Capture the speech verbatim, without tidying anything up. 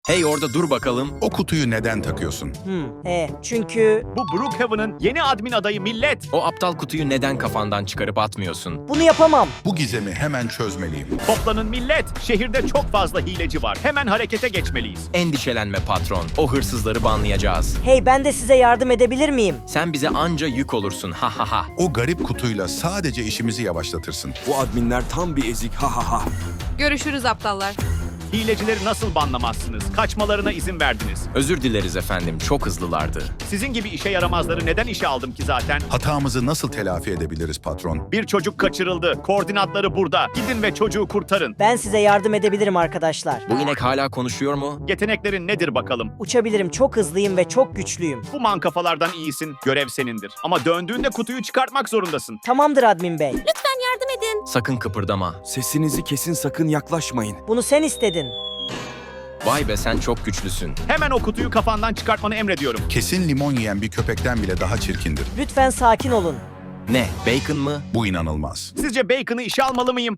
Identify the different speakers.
Speaker 1: Hey orada dur bakalım.
Speaker 2: O kutuyu neden takıyorsun?
Speaker 3: Hmm, e, çünkü
Speaker 4: Bu Brookhaven'ın yeni admin adayı millet.
Speaker 1: O aptal kutuyu neden kafandan çıkarıp atmıyorsun?
Speaker 3: bunu yapamam.
Speaker 2: Bu gizemi hemen çözmeliyim.
Speaker 4: Toplanın millet. Şehirde çok fazla hileci var. Hemen harekete geçmeliyiz.
Speaker 1: Endişelenme patron. O hırsızları banlayacağız.
Speaker 3: Hey, ben de size yardım edebilir miyim?
Speaker 1: Sen bize anca yük olursun. Ha ha ha.
Speaker 2: O garip kutuyla sadece işimizi yavaşlatırsın.
Speaker 5: Bu adminler tam bir ezik ha ha ha.
Speaker 6: Görüşürüz aptallar.
Speaker 4: Hilecileri nasıl banlamazsınız? Kaçmalarına izin verdiniz.
Speaker 1: Özür dileriz efendim. Çok hızlılardı.
Speaker 4: Sizin gibi işe yaramazları neden işe aldım ki zaten?
Speaker 2: Hatamızı nasıl telafi edebiliriz patron?
Speaker 4: Bir çocuk kaçırıldı. Koordinatları burada. Gidin ve çocuğu kurtarın.
Speaker 3: Ben size yardım edebilirim arkadaşlar.
Speaker 1: Bu inek hala konuşuyor mu?
Speaker 4: Yeteneklerin nedir bakalım?
Speaker 3: Uçabilirim, çok hızlıyım ve çok güçlüyüm.
Speaker 4: Bu mankafalardan iyisin. Görev senindir. Ama döndüğünde kutuyu çıkartmak zorundasın.
Speaker 3: Tamamdır admin bey.
Speaker 6: Yardım edin.
Speaker 1: Sakın kıpırdama.
Speaker 5: Sesinizi kesin, sakın yaklaşmayın.
Speaker 3: Bunu sen istedin.
Speaker 1: Vay be sen çok güçlüsün.
Speaker 4: Hemen o kutuyu kafandan çıkartmanı emrediyorum.
Speaker 2: Kesin limon yiyen bir köpekten bile daha çirkindir.
Speaker 3: Lütfen sakin olun.
Speaker 1: Ne? Bacon mı?
Speaker 2: Bu inanılmaz.
Speaker 4: Sizce Bacon'ı işe almalı mıyım?